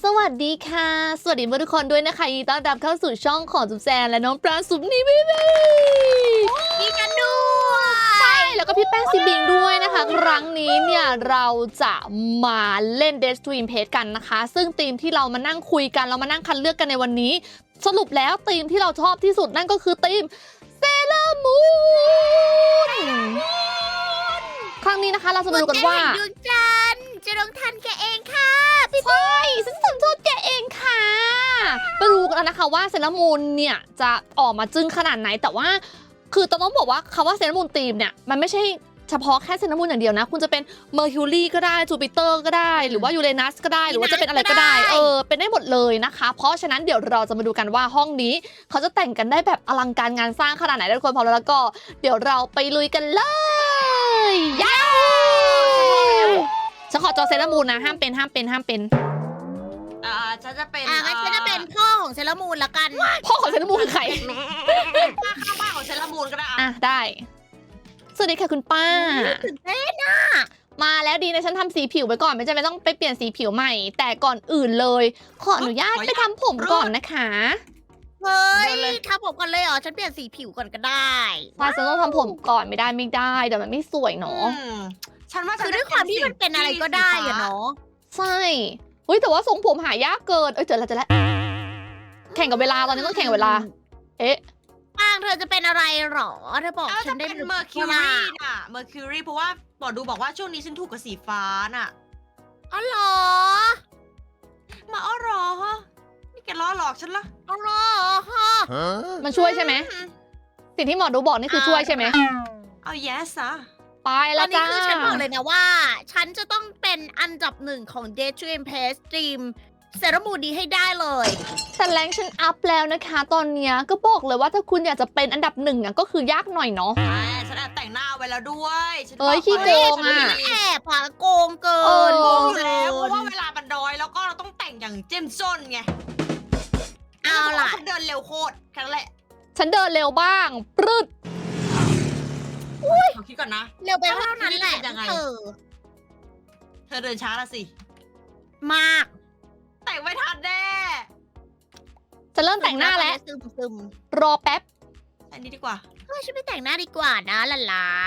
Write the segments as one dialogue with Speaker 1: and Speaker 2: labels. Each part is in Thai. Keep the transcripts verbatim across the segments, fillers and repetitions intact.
Speaker 1: สวัสดีค่ะสวัสดีทุกคนด้วยนะคะยินดีต้อนรับเข้าสู่ช่องของจุ๊บแจนและน้องปลาซุปนี่พี่บี
Speaker 2: มีกันด้วย
Speaker 1: ใช่แล้วก็พี่แป้งซิบิงด้วยนะคะครั้งนี้เนี่ยเราจะมาเล่น Death to Impact กันนะคะซึ่งธีมที่เรามานั่งคุยกันเรามานั่งคัดเลือกกันในวันนี้สรุปแล้วธีมที่เราชอบที่สุดนั่นก็คือธีมเซเลอร์มูนครั้งนี้นะคะเราจะมาดูกันว่า
Speaker 2: ดวงจันทร์จะลงทันแกเองค่ะพี่
Speaker 1: ใช่ฉันสัญชาติแกเองค่ะไปดูกันนะคะว่าเซเลอร์มูนเนี่ยจะออกมาจึ้งขนาดไหนแต่ว่าคือต้องบอกว่าคำว่าเซเลอร์มูนธีมเนี่ยมันไม่ใช่เฉพาะแค่เซเลอร์มูนอย่างเดียวนะคุณจะเป็นเมอร์คิวรีก็ได้จูปิเตอร์ก็ได้หรือว่ายูเรนัสก็ได้หรือว่าจะเป็นอะไรก็ได้เออเป็นได้หมดเลยนะคะเพราะฉะนั้นเดี๋ยวเราจะมาดูกันว่าห้องนี้เขาจะแต่งกันได้แบบอลังการงานสร้างขนาดไหนทุกคนพร้อมแล้วก็เดี๋ยวเราไปลุยกันเลยย้าวฉันขอจอเซเลอร์มูนนะห้ามเป็นห้ามเป็นห้ามเป็น
Speaker 3: อ่าฉันจะเป็น
Speaker 2: อ่ะงั้นฉันจะเป็นพ่อของเซเลอร์มูนละกัน
Speaker 1: พ่อของเซเลอร์มูนคือใคร
Speaker 3: เป็นป้าข้างบ้านของเซรามูนก็ได้
Speaker 1: อ่ะได้สวัสดีค่ะคุณป้า
Speaker 2: ตื่นเต้นนะ
Speaker 1: มาแล้วดีนะฉันทำสีผิวไปก่อนไม่จำเป็นต้องไปเปลี่ยนสีผิวใหม่แต่ก่อนอื่นเลยขออนุญาตไปทำผมก่อนนะคะ
Speaker 2: เฮ้ยทำผมก่อนเลยเหรอฉันเปลี่ยนสีผิวก่อนก็ได้
Speaker 1: ใช่ฉันต้องทำผมก่อนไม่ได้ไม่ได้เดี๋ยวมันไม่สวยเนาะ
Speaker 3: อืมฉันว่า
Speaker 2: คือด้วยความที่มันเป็นอะไรก็ได้อะเนาะ
Speaker 1: ใช่เฮ้ยแต่ว่าทรงผมหายากเกินเอ้ยเจอแล้วเจอแล้วแข่งกับเวลาตอนนี้ต้องแข่งกับเวลาเอ๊ะ
Speaker 2: ปางเธอจะเป็นอะไรหรอเธอบอก
Speaker 3: เอ้า
Speaker 2: ฉั
Speaker 3: จะ
Speaker 2: นได้
Speaker 3: เป็น
Speaker 2: หรือ
Speaker 3: เมอร์คิว
Speaker 2: เปล่า
Speaker 3: รีน่ะเมอร์คิวรีเพราะว่าหมอดูบอกว่าช่วงนี้ฉันถูกกับสีฟ้าน่ะ
Speaker 2: อ๋อเหรอ
Speaker 3: มาอ้อหรอฮะนี่แกล้อหลอกฉันละ
Speaker 2: อ๋อเหรอฮะ
Speaker 1: มันช่วยใช่ไหมสิ่งที่หมอดูบอกนี่คือช่วยใช่ไหม
Speaker 3: เอา yes อะ
Speaker 1: ไป
Speaker 2: ต
Speaker 1: แล้
Speaker 2: อ
Speaker 1: วน
Speaker 2: นี้
Speaker 1: จ้า
Speaker 2: คือฉันบอกเลยนะว่า ฉันจะต้องเป็นอันดับหนึ่งของ Dead to Impact Stream เซรามูนดีให้ได้เลย
Speaker 1: แต่แรงฉันอัพแล้วนะคะตอนเนี้ยก็บอกเลยว่าถ้าคุณอยากจะเป็นอันดับหนึ่งอ่ะก็คือยากหน่อยเนาะ
Speaker 3: ใช่ฉันแอบแต่งหน้าไว้แล้วด้วยฉัน
Speaker 1: เอ้ย
Speaker 3: บ
Speaker 1: ขี้โกงอะ
Speaker 3: ไว้
Speaker 2: แอบอะโกงเกิ
Speaker 1: เออ
Speaker 2: น
Speaker 3: โกงอยู่แล้วเพราะว่าเวลามันน้อยแล้วก็เราต้องแต่งอย่างเจ้มจนไง
Speaker 2: เอาล่ะ
Speaker 3: ฉันเดินเร็วโคตรแค่นั้นแหละ
Speaker 1: ฉันเดินเร็วบ้างปรึด
Speaker 3: ขอคิดก่อนนะ
Speaker 2: เร็วไปเท่านั้นแหละ
Speaker 3: ยังไง
Speaker 2: เออ
Speaker 3: เธอเดินช้าละสิ
Speaker 2: มาก
Speaker 3: แต่งไม่ทันแน่
Speaker 1: จะเริ่มแต่งหน้าแล้ว
Speaker 2: ซึมซึม
Speaker 1: รอแป๊บ
Speaker 3: อันนี้ดีกว่า
Speaker 2: เฮ้ยฉันไปแต่งหน้าดีกว่านะล่ะล่ะ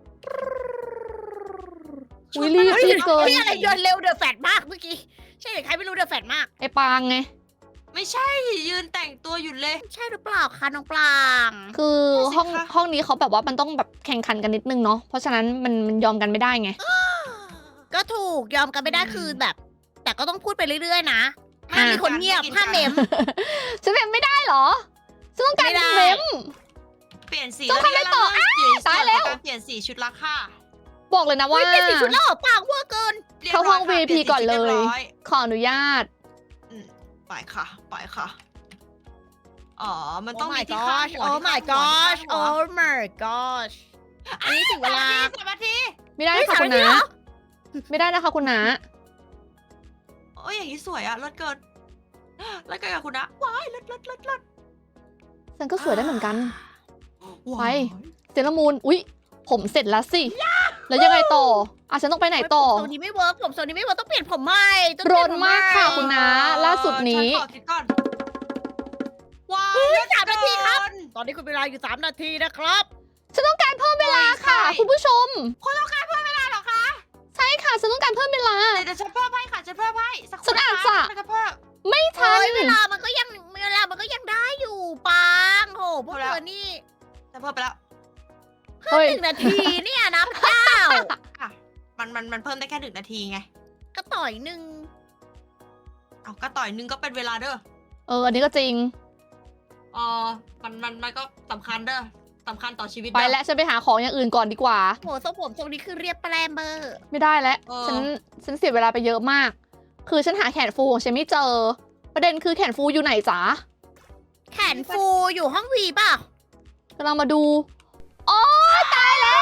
Speaker 1: อุ๊ยรีบรีบเกิน
Speaker 2: พี่อะไรเดินเร็วเดือดแฟดมากเมื่อกี้ ใช่หรือใครไม่รู้เดือดแฟดมาก
Speaker 1: ไอ้ปางไง
Speaker 3: ไม่ใช่ยืนแต่งตัวอยู่เลย
Speaker 2: ใช่หรือเปล่าคะน้องปลาง
Speaker 1: คือห้อง
Speaker 3: สิคะ
Speaker 1: ห้องนี้เขาแบบว่ามันต้องแบบแข่งขันกันนิดนึงเนาะเพราะฉะนั้นมันมันยอมกันไม่ได้ไง
Speaker 2: ก็ถูกยอมกันไม่ได้คือแบบ แต่ก็ต้องพูดไปเรื่อยๆนะ
Speaker 1: อ่ะ
Speaker 2: ห้ามมีคนเงียบห้ามเมม
Speaker 1: ฉันเป็นไม่ได้เหรอฉันต้องการ
Speaker 2: ไม่ได้
Speaker 1: เมม
Speaker 3: เปลี่ยนสี
Speaker 1: ต้องทำอะไรต่อ
Speaker 3: แล้วนี่
Speaker 1: ตายแล้ว
Speaker 3: การเปลี่ยนสีชุดละค่ะ
Speaker 1: บอกเลยนะว่า
Speaker 2: เฮ้ยเป็นสีชุดแล้วเหรอปางเวอร์เกิน
Speaker 3: รียบ
Speaker 1: เข้า
Speaker 3: ร้ย
Speaker 1: ห้อง
Speaker 3: ค่ะ
Speaker 1: วี พี
Speaker 3: ปนสี
Speaker 1: ก่อนเลย
Speaker 3: ชุดรีบร้อ
Speaker 1: ขออนุญาต
Speaker 3: อืมไปค่ะ ไปค่ะ อ๋อ มัน
Speaker 2: โอ้
Speaker 3: ต้องมี
Speaker 2: my
Speaker 3: ที่ข้าง
Speaker 2: gosh
Speaker 3: หัว
Speaker 2: oh
Speaker 3: ที่
Speaker 2: my
Speaker 3: ข้างหัว
Speaker 2: gosh
Speaker 3: ที่ข้างหัว
Speaker 2: oh my gosh อันนี้ถึงเวลา
Speaker 3: สามนาที
Speaker 1: ไม่ได้
Speaker 2: เฮ้ย
Speaker 1: ค่ะ
Speaker 2: สาม
Speaker 1: คุณ
Speaker 2: นาที
Speaker 1: นา
Speaker 2: เหรอ
Speaker 1: ไม่ได้นะคะคุณนา
Speaker 3: โอ้ยอย่างนี้สวยอะเลิศเกินเลิศเกินกับคุณนะว้ายเลิศเลิศเลิศเลิศ
Speaker 1: ฉันก็สวยได้เหมือนกัน
Speaker 3: ว้าย
Speaker 1: เซรามูนอุ๊ย ผมเสร็จแล้วสิ แล้วยังไงต่ออ่ะฉันต้องไปไหนต่อ
Speaker 2: ผมโซนนี้ไม่เวิร์กผมโซนนี้ไม่เวิร์กต้องเปลี่ยนผมใหม่ต้อง
Speaker 1: ร
Speaker 2: เปลี่ย
Speaker 1: น
Speaker 2: ผม
Speaker 1: มากค่ะ
Speaker 2: ให
Speaker 1: คุณนาล่าสุดนี้
Speaker 3: ฉัขอคิดก่อนว้าย
Speaker 2: เฮ้ย
Speaker 3: เลิศ
Speaker 2: สามนาทีครับ
Speaker 3: เกิน
Speaker 2: ตอนนี้คุณเวลาอยู่สามนาทีนะครับ
Speaker 1: ฉันต้องการเพิ่มเวลาค่ะ
Speaker 3: ใช่
Speaker 1: คุณผู้ชม
Speaker 3: คุณต้องการเพิ่มเวลาเหรอคะ
Speaker 1: ใช่ค่ะ ฉันต้องการเพิ่มเวลา
Speaker 3: เดี๋ยวเดี๋ยวฉันเพิ่มให้ค่ะฉันเพิ่มให้สักค
Speaker 1: ฉันอาจจะ
Speaker 3: ฉันจะเพิ่ม
Speaker 1: ไม่ทั
Speaker 2: เฮ้
Speaker 1: น
Speaker 2: ยเวลามันก็ยังเวลามันก็ยังได้อยู่ปังโหพวก
Speaker 3: เอาแล้ว
Speaker 2: เธอนี่
Speaker 3: ฉันเพิ่มไปแล้ว
Speaker 1: เฮ้ย
Speaker 2: หนึ่งนาทีเนี่ยนะพระเจ้า
Speaker 3: อ่ะมันมันมันเพิ่มได้แค่หนึ่งนาทีไง
Speaker 2: ก็ต่อยหนึ่ง
Speaker 3: เอากระต่อยหนึงก็เป็นเวลาเด้อ
Speaker 1: เออ อันนี้ก็จริง
Speaker 3: อ๋อมันมันมันก็สำคัญเด้อสำคัญต่อชีวิต
Speaker 1: ไป
Speaker 3: เด้อ
Speaker 1: แล้วฉันไปหาของอย่างอื่นก่อนดีกว่า
Speaker 2: โหทรงผมทรงนี้คือเรียบแปรเบอร์
Speaker 1: ไม่ได้แล้ว
Speaker 3: เออ
Speaker 1: ฉัน ฉันเสียเวลาไปเยอะมาก คือฉันหาแขนฟูของฉันไม่เจอ ประเด็นคือแขนฟูอยู่ไหนจ๊ะ
Speaker 2: แขนฟูอยู่ห้องวีป่ะ
Speaker 1: กำลังมาดูโอ้ยตายแล้ว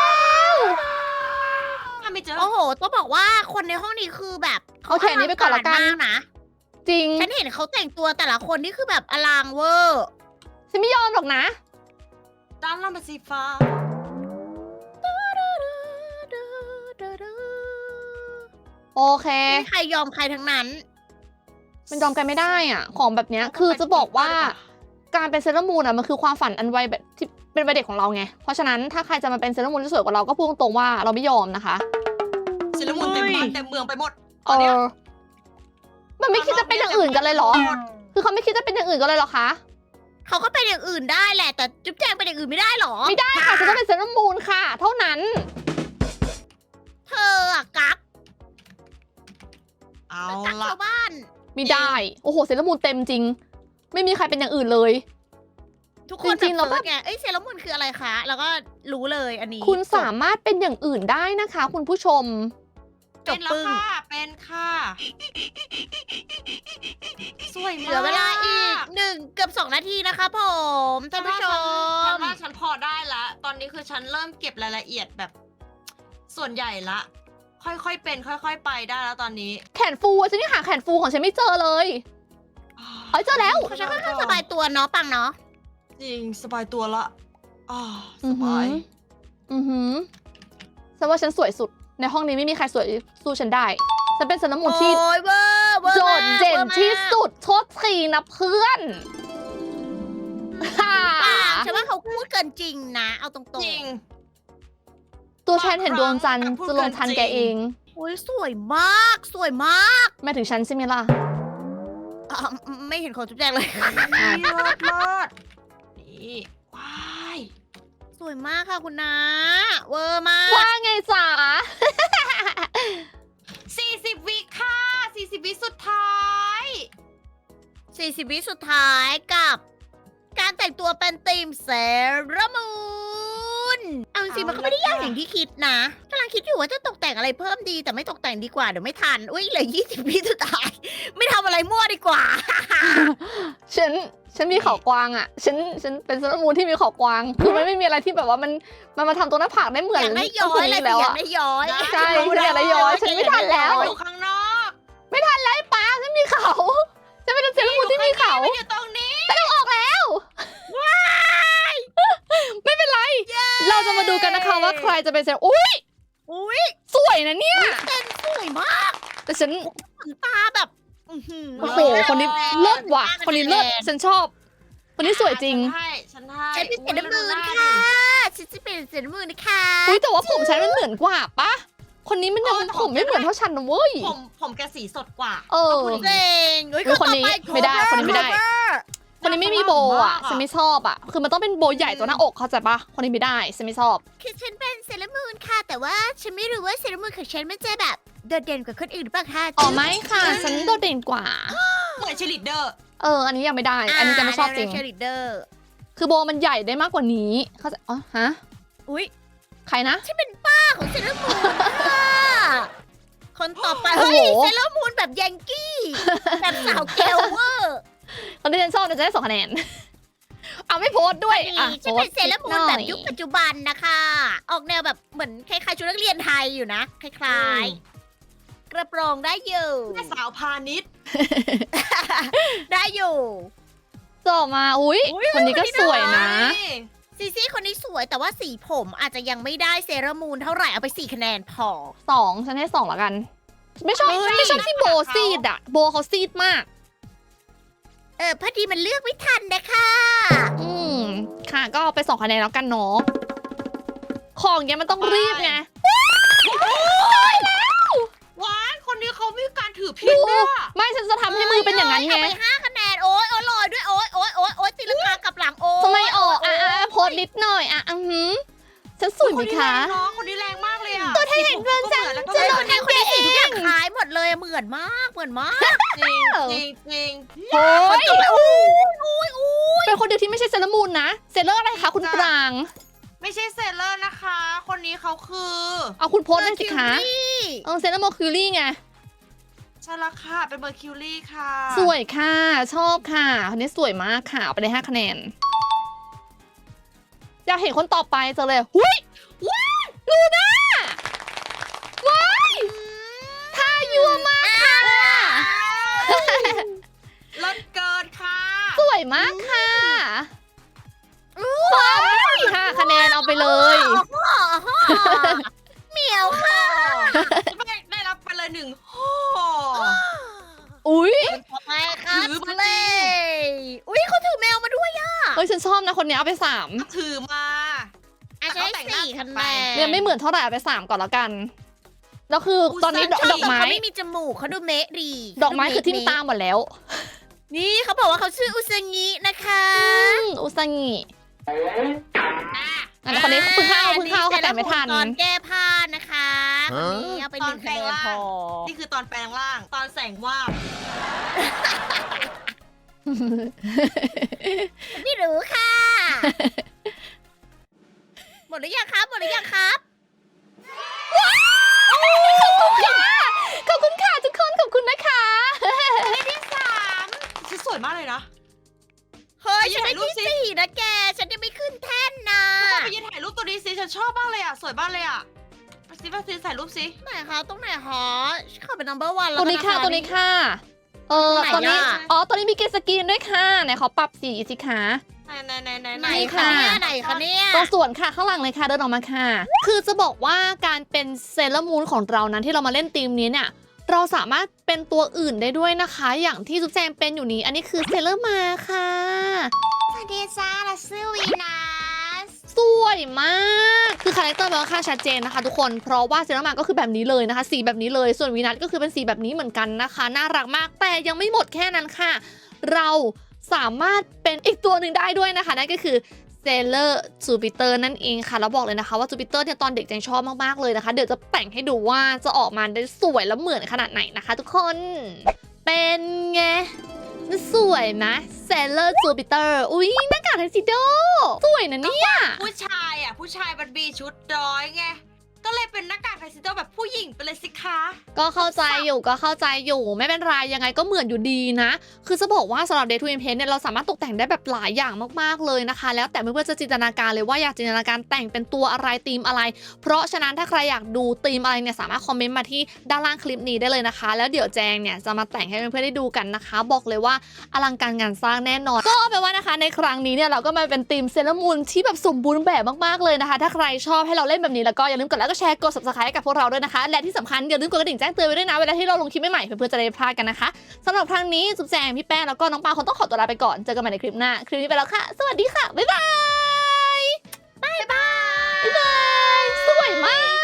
Speaker 3: ถ้าไม่เจอ
Speaker 2: โอ้โหต้องบอกว่าคนในห้องนี้คือแบบ
Speaker 1: เอาแขนนี้ไปก่อนละกัน
Speaker 2: มากนะ
Speaker 1: จริง
Speaker 2: ฉันเห็นเขาแต่งตัวแต่ละคนนี่คือแบบอลางเวอร์
Speaker 1: ฉันไม่ยอมหรอกนะ
Speaker 3: ด้านล่างเป็นสีฟ้า
Speaker 1: โอเค
Speaker 2: ไม่มีใครยอมใครทั้งนั้น
Speaker 1: มันยอมกันไม่ได้อ่ะ ของแบบเนี้ยคือจะบอกว่าการเป็นเซเลอร์มูนอ่ะมันคือความฝันอันวัยแบบที่เป็นวัยเด็กของเราไง เพราะฉะนั้นถ้าใครจะมาเป็นเซเลอร์มูนที่สวยกว่าเราก็พูดตรงๆว่าเราไม่ยอมนะคะ
Speaker 3: เซเลอร์มูนเต็มบ้านเต็มเมืองไปหมดต
Speaker 1: เอ
Speaker 3: อนเนี้ย
Speaker 1: อมันไม่คิดจะเป็นอย่างอื่นกันเลยเหรอ คือเขาไม่คิดจะเป็นอย่างอื่นกันเลยเหรอคะ
Speaker 2: เขาก็เป็นอย่างอื่นได้แหละ แต่จุ๊บแจงเป็นอย่างอื่นไม่ได้หรอ
Speaker 1: ไม่ได้ค่ะฉันต้องเป็นเซเลอร์มูนค่ะ เท่านั้น
Speaker 2: เธออะกัก
Speaker 3: เอา
Speaker 2: กัก
Speaker 3: ละ
Speaker 2: ชาวบ้าน
Speaker 1: ไม่ได้ โอ้โหเซเลอร์มูนเต็มจริง ไม่มีใครเป็นอย่างอื่นเลย
Speaker 2: ทุกคน
Speaker 1: จริงๆ
Speaker 2: แบบ
Speaker 1: เราก็
Speaker 2: เซิร์ชไงเอ้ยเซรามูนคืออะไรคะ แล้วก็รู้เลยอันนี้
Speaker 1: คุณสามารถเป็นอย่างอื่นได้นะคะ คุณผู้ชม
Speaker 2: จ
Speaker 3: เป็
Speaker 2: บ
Speaker 3: นแล้ว
Speaker 2: ปึ้ง
Speaker 3: ค่ะเป็นค่ะสวย
Speaker 2: เห
Speaker 3: มาก
Speaker 2: ลือเวลาอีกหนึ่งเกือบสองนาทีนะคะผมท่านผู้ช
Speaker 3: ฉั
Speaker 2: ม
Speaker 3: นว่าฉันพอได้ละ ตอนนี้คือฉันเริ่มเก็บรายละเอียดแบบ ส่วนใหญ่ละ ค่อยๆเป็น ค่อย ๆ ไปได้แล้วตอนนี้
Speaker 1: แขนฟูอะฉันยังหาแขนฟูของฉันไม่เจอเลย เอ้ยเจอแล้ว
Speaker 2: ฉันค่อนข้างสบายตัวเนาะปังเนาะ
Speaker 3: จริงสบายตัวละอ่าส
Speaker 1: อือหื
Speaker 3: บา
Speaker 1: อ
Speaker 3: ย
Speaker 1: อือหือฉันว่าฉันสวยสุด ในห้องนี้ไม่มีใครสวยสู้ฉันได้ ฉันเป็นเซเลอร์มูนที่
Speaker 2: โอ้ยเวอร์เวอร์
Speaker 1: โด
Speaker 2: มาก
Speaker 1: ดเด่น
Speaker 2: วอร์มาก
Speaker 1: ที่สุดโทษทีนะเพื่อนฮ่า
Speaker 2: ปังฉันว่าเขาพูดเกินจริงนะ เอาตรง
Speaker 3: จริง
Speaker 1: ตัวฉันเห็นดวงจันทร์
Speaker 3: พูด
Speaker 1: จะ
Speaker 3: เกิ
Speaker 1: ล
Speaker 3: น
Speaker 1: งทัน
Speaker 3: จริง
Speaker 1: แกเอง
Speaker 2: ๆโอ้ยสวยมาก สวยมาก
Speaker 1: ไม่ถึงฉันใช่ไหมล่ะ
Speaker 2: อ่ะไม่เห็นของจุ๊บแจงเลย
Speaker 3: เลิศเลิศนี่ว้าย
Speaker 2: สวยมากค่ะคุณนาเวอร์มาก
Speaker 1: ว่าไงจ๋า
Speaker 3: สี่สิบวิค่ะสี่สิบวิสุดท้าย
Speaker 2: สี่สิบวิสุดท้ายกับ การแต่งตัวเป็นธีมเซรามูนเอาจริงๆมันก็ไม่ได้ยากอย่างที่คิดนะกำลังคิดอยู่ว่าจะตกแต่งอะไรเพิ่มดี แต่ไม่ตกแต่งดีกว่าเดี๋ยวไม่ทัน อุ้ยเหลือยี่สิบวิสุดท้าย ไม่ทำอะไรมั่วดีกว่า
Speaker 1: ฉัน ฉันมีเขากวางอ่ะ ฉัน ฉันเป็นเซเลอร์มูนที่มีเขากวาง คือมันไม่มีอะไรที่แบบว่ามัน มันมาทำตรงหน้าผากได้เหมือน
Speaker 2: อยากได้ย้อย
Speaker 1: คน
Speaker 2: อะไร
Speaker 1: นี้
Speaker 2: แล้
Speaker 1: แล้ว ว
Speaker 2: อยา
Speaker 1: อ่ะ
Speaker 2: กได้ย้อย
Speaker 1: ใช่ฉันอยากได้ย้อยฉันไม่ทันแล้ว
Speaker 3: อยู่ข้างนอก
Speaker 1: ไม่ทันแล้วไอ้ป้าฉันมีเขา ฉันเป็นเซเลอร์มูนที่มีเขา
Speaker 3: ไม่อยู่ตรงนี้
Speaker 1: ออกแล้ว ไม่เป็นไร เราจะมาดูกันนะคะว่าใครจะเป็นเซเลอร์อุ้ย
Speaker 2: อุ้ย
Speaker 1: สวยนะเนี่ย
Speaker 2: เต้นสวยมาก
Speaker 1: แต่ฉัน
Speaker 2: ขนตาแบบอื้อหือ
Speaker 1: โอ้โห คนนี้เลิศว่ะ คนนี้เลิศ ฉันชอบ คนนี้สวยจริง
Speaker 3: ฉันให้ฉันให้
Speaker 2: ฉันเป็นเซรามูนค่ะฉันจะเป็นเซรามูนนะคะ
Speaker 1: อุ้ยแต่ว่าผมฉันมันเหมือนกว่าปะ คนนี้มันยังผมไม่เหมือนเท่าฉันนะเว้ย
Speaker 3: ผมผมแกสีสดกว่า
Speaker 1: เออ
Speaker 3: ต้องพูดอย่าง
Speaker 2: เจ๋งเฮ้ย
Speaker 1: อุ๊ยคนนี้
Speaker 2: ต่อป
Speaker 1: ไม่ได้คนนี้ไม่ได้
Speaker 2: cover
Speaker 1: คนนี้ไม่มีโบอ่ะ ฉันไม่ชอบอ่ะ คือมันต้องเป็นโบใหญ่ตัวหน้าอกเข้าใจปะ คนนี้ไม่ได้ ฉันไม่ชอบ
Speaker 2: คือฉันเป็นเซรามูนค่ะ แต่ว่าฉันไม่รู้ว่าเซรามูนของฉันมันจะแบบโดดเด่นกว่าคนอื่นหรือเปล่าคะ
Speaker 1: อ๋อไม่ค่ะ ฉันโดดเด่นกว่า
Speaker 3: เหมือนเชลิดเดอร์
Speaker 1: เออ อันนี้ยังไม่ได้ อันนี้จะไม่ชอบจริง
Speaker 2: เชลิเดอร์
Speaker 1: คือโบมันใหญ่ได้มากกว่านี้ เข้าใจอ๋อฮะ
Speaker 2: อุ้ย
Speaker 1: ใครนะ
Speaker 2: ฉันเป็นป้าของเซรามูนค่ะคนต่อไป
Speaker 1: โอ้
Speaker 2: เฮ้
Speaker 1: โห
Speaker 2: ยเซรามูนแบบยังกี้แบบสาวเกลเวอร์
Speaker 1: คนที่ฉันชอบเนี่ยจะได้สองคะแนน เอาไม่โพสต์ด้วย
Speaker 2: นี่
Speaker 1: อ่ะ
Speaker 2: ฉัน
Speaker 1: โพส
Speaker 2: เป็น
Speaker 1: ต์
Speaker 2: เซรามูนแบบยุคปัจจุบันนะคะ ออกแนวแบบเหมือนคล้ายๆชุดนักเรียนไทยอยู่นะ คล้ายๆ กระโปรงได้อยู่
Speaker 3: แม่สาวพาณิชย์
Speaker 2: ได้อยู่
Speaker 1: ต่อมา อุ้ย
Speaker 2: อุ๊ย
Speaker 1: คนนี้ก็สวยนะ
Speaker 2: ซีซี่คนนี้สวยแต่ว่าสีผมอาจจะยังไม่ได้เซรามูนเท่าไหร่เอาไปสี่คะแนนพอ
Speaker 1: สองฉันให้สองละกัน ไม่ชอบ
Speaker 2: เฮ้ย
Speaker 1: ไม่ชอบที่โบซีดอะโบเขาซีดมาก
Speaker 2: เออพอดีมันเลือกไม่ทันนะคะ
Speaker 1: อืม ค่ะ ก็เอาไปสองคะแนนแล้วกันเนาะ ของเนี้ยมันต้องรีบไง
Speaker 3: ว้ายคนนี้เขามีการถือพินด้วยอะ
Speaker 1: ไม่ฉันจะทำให้มือเป็นอย่างนั้นไง
Speaker 2: เอาไปห้าคะแนนโอ๊ยโอ๊ยลอยด้วยโอ๊ยโอ๊ยโอ๊ยโอ๊ยตีลังกากลับหลังโอ๊ย
Speaker 1: ทำไมออกอ่ะอ่ะอ่ะโพสต์นิดหน่อยอ่ะอือหือฉันสวยไหม
Speaker 3: คนนี้
Speaker 1: คะ
Speaker 3: แรงเนาะคนนี้แรงมากเลยอะ
Speaker 1: ตัวเธอเห็นดวงจันทร์
Speaker 3: แล้วก็
Speaker 2: จะ
Speaker 3: เห
Speaker 2: โด
Speaker 3: มือน น
Speaker 2: ในคนนี้สีทุกอย่างคล้ายหมดเลยเหมือนมากเหมือนมาก
Speaker 3: จริงจริงจริง
Speaker 1: โอ้ย
Speaker 2: จบไปโอ้ยโอ้ยโอ้ย
Speaker 1: เป็นคนเดียวที่ไม่ใช่เซเลอร์มูนนะ เซเลอร์อะไรคะคุณปราง
Speaker 3: ไม่ใช่เซเลอร์นะคะ คนนี้เขาคือ
Speaker 1: เอาคุณโพสต์ได้สิคะ
Speaker 2: เมอร์คิวรี
Speaker 1: เออเซเลอร์โมคิวรี่ไง
Speaker 3: ใช่ละค่ะเป็นเมอร์คิวรี่ค่ะ
Speaker 1: สวยค่ะ ชอบค่ะคนนี้สวยมากค่ะเอาไปเลยห้าคะแนน อยากเห็นคนต่อไปเจอเลยหุ้ยว้ายลูน่าว้ายท่ายัวมากค่ะ
Speaker 3: เลิศเกินค่ะ
Speaker 1: สวยมากค่ะความไม่ห้าคะแนนเอาไปเลย
Speaker 2: อ๋ออ๋อเหมียวค่ะ
Speaker 3: ได้ได้รับไปเลยหนึ่งโอ้
Speaker 1: อุ๊ย
Speaker 2: ต่อไป
Speaker 3: ถือมา
Speaker 2: เล
Speaker 3: ดิ
Speaker 2: ยอุ้ยเขาถือแมวมาด้วยอะ
Speaker 1: เฮ้ยฉันชอบนะคนนี้เอาไปสาม
Speaker 3: ถือมา
Speaker 2: อาจจะ
Speaker 3: แต่
Speaker 2: ได้
Speaker 3: เขาแต่งหน้า
Speaker 2: สี่คะ
Speaker 3: ไป
Speaker 2: แนน
Speaker 1: ยังไม่เหมือนเท่าไหร่เอาไปสามก่อนแล้วกันแล้วคือตอนนี้ดอก
Speaker 3: อุตส่าห์
Speaker 1: ดอกไม้
Speaker 2: เขาไม่มีจมูกเขาดูเมะดี
Speaker 1: ดอกไม้คือทิ่มตาหมดแล้ว
Speaker 2: นี่เขาบอกว่าเขาชื่ออุซางินะคะ
Speaker 1: อืมอุซังิอันนี้คนนี้เพิ่งเข้าเพิ่งเข้าเขาแต่งไม่ทัน
Speaker 2: ตอนแก้ผ้านะคะคนนี้เอาไปหนึ่งคะแนนพอ
Speaker 3: นี่คือตอนแปลงร่าง ตอนแสงวาบ
Speaker 2: ไม่รู้ค่ะ หมดหรือยังครับหมดหรือยังครับ
Speaker 1: ขอบคุณค่ะทุกคนขอบคุณนะคะ
Speaker 3: ที่สามคือสวยมากเลยนะ
Speaker 2: เฮ้ย
Speaker 3: ไป
Speaker 2: ฉัน
Speaker 3: ถ่า
Speaker 2: ได้
Speaker 3: ยรูป
Speaker 2: ที่
Speaker 3: สิ
Speaker 2: สี่นะแก ฉันยังไม่ขึ้นแท่นนะ
Speaker 3: ไปยืนถ่ายรูปตัวนี้สิฉันชอบมากเลยอ่ะ สวยมากเลยอ่ะไปสิไปสิถ่ายรูปสิ
Speaker 2: ไหนคะตรงไหนคะฉันขอเป็น number one แล้ว
Speaker 1: ตัวนี้ค่ะ
Speaker 2: กั
Speaker 1: ตัวนี้ค่ะ เออ
Speaker 2: ไหน
Speaker 1: ตอนนี้
Speaker 2: อะ
Speaker 1: อ๋อตอนนี้มีเกรดสกรีนด้วยค่ะไหนขอปรับสีสิคะ
Speaker 3: ไหนไหนไหนไหน
Speaker 2: ไหน
Speaker 1: นี่
Speaker 2: คะ
Speaker 1: ค่ะ
Speaker 2: เนี่ยไหนคะเนี่ย
Speaker 1: ตรงส่วนค่ะข้างหลังเลยค่ะเดินออกมาค่ะ คือจะบอกว่าการเป็นเซเลอร์มูนของเรานั้นที่เรามาเล่นทีมนี้เนี่ย เราสามารถเป็นตัวอื่นได้ด้วยนะคะ อย่างที่จุ๊บแจงเป็นอยู่นี้ อันนี้คือเซเลอร์มาค่ะ
Speaker 2: สวัสดีจ้าเราชื่อวีนัส
Speaker 1: สวยมาก คือคาแรคเตอร์มันค่อนข้างชัดเจนนะคะทุกคน เพราะว่าเซรามาก็คือแบบนี้เลยนะคะ สีแบบนี้เลย ส่วนวีนัทก็คือเป็นสีแบบนี้เหมือนกันนะคะ น่ารักมาก แต่ยังไม่หมดแค่นั้นค่ะ เราสามารถเป็นอีกตัวหนึ่งได้ด้วยนะคะ นั่นก็คือเซเลอร์จูปิเตอร์นั่นเองค่ะ แล้วบอกเลยนะคะว่าจูปิเตอร์เนี่ยตอนเด็กแจงชอบมากๆเลยนะคะ เดี๋ยวจะแต่งให้ดูว่าจะออกมาได้สวยและเหมือนขนาดไหนนะคะ ทุกคน เป็นไง สวยไหมเซเลอร์จูปิเตอร์ อุ๊ยหน้ากากไทซิโด สวยนะเนี่ย
Speaker 3: ผู้ชายอ่ะ ผู้ชายมันมีชุดร้อยไง ก็เลยเป็นหน้ากากไทซิโดแบบผู้หญิงไปเลยสิคะ
Speaker 1: ก็เข้าใจอยู่ก็เข้าใจอยู่ไม่เป็นไรยังไงก็เหมือนอยู่ดีนะ คือจะบอกว่าสำหรับ Day to Impress เนี่ยเราสามารถตกแต่งได้แบบหลายอย่างมากๆเลยนะคะ แล้วแต่เพื่อนๆจะจินตนาการเลยว่าอยากจินตนาการแต่งเป็นตัวอะไรธีมอะไร เพราะฉะนั้นถ้าใครอยากดูธีมอะไรเนี่ยสามารถคอมเมนต์มาที่ด้านล่างคลิปนี้ได้เลยนะคะ แล้วเดี๋ยวแจงเนี่ยจะมาแต่งให้เพื่อนๆได้ดูกันนะคะ บอกเลยว่าอลังการงานสร้างแน่นอน ก็เอาเป็นว่านะคะในครั้งนี้เนี่ยเราก็มาเป็นธีมเซเลอร์มูนที่แบบสมบูรณ์แบบมากๆเลยนะคะ ถ้าใครชอบให้เราเล่นแบบนี้แล้วก็อย่าลืมกดไลค์กดแชร์กด Subscribe ให้กับพวกเราด้วยนะคะ และที่สำคัญอย่าลืมกดกระดิ่งแจ้งเตือนไว้ด้วยนะเวลาที่เราลงคลิปใหม่ๆเพื่อนๆจะได้ไม่พลาดกันนะคะสำหรับครั้งนี้จุ๊บแจงพี่แป้งแล้วก็น้องปาคงต้องขอตัวลาไปก่อนเจอกันใหม่ในคลิปหน้าคลิปนี้ไปแล้วค่ะสวัสดีค่ะบ๊ายบาย
Speaker 2: บ๊ายบาย
Speaker 1: บ๊ายบายสวยมาก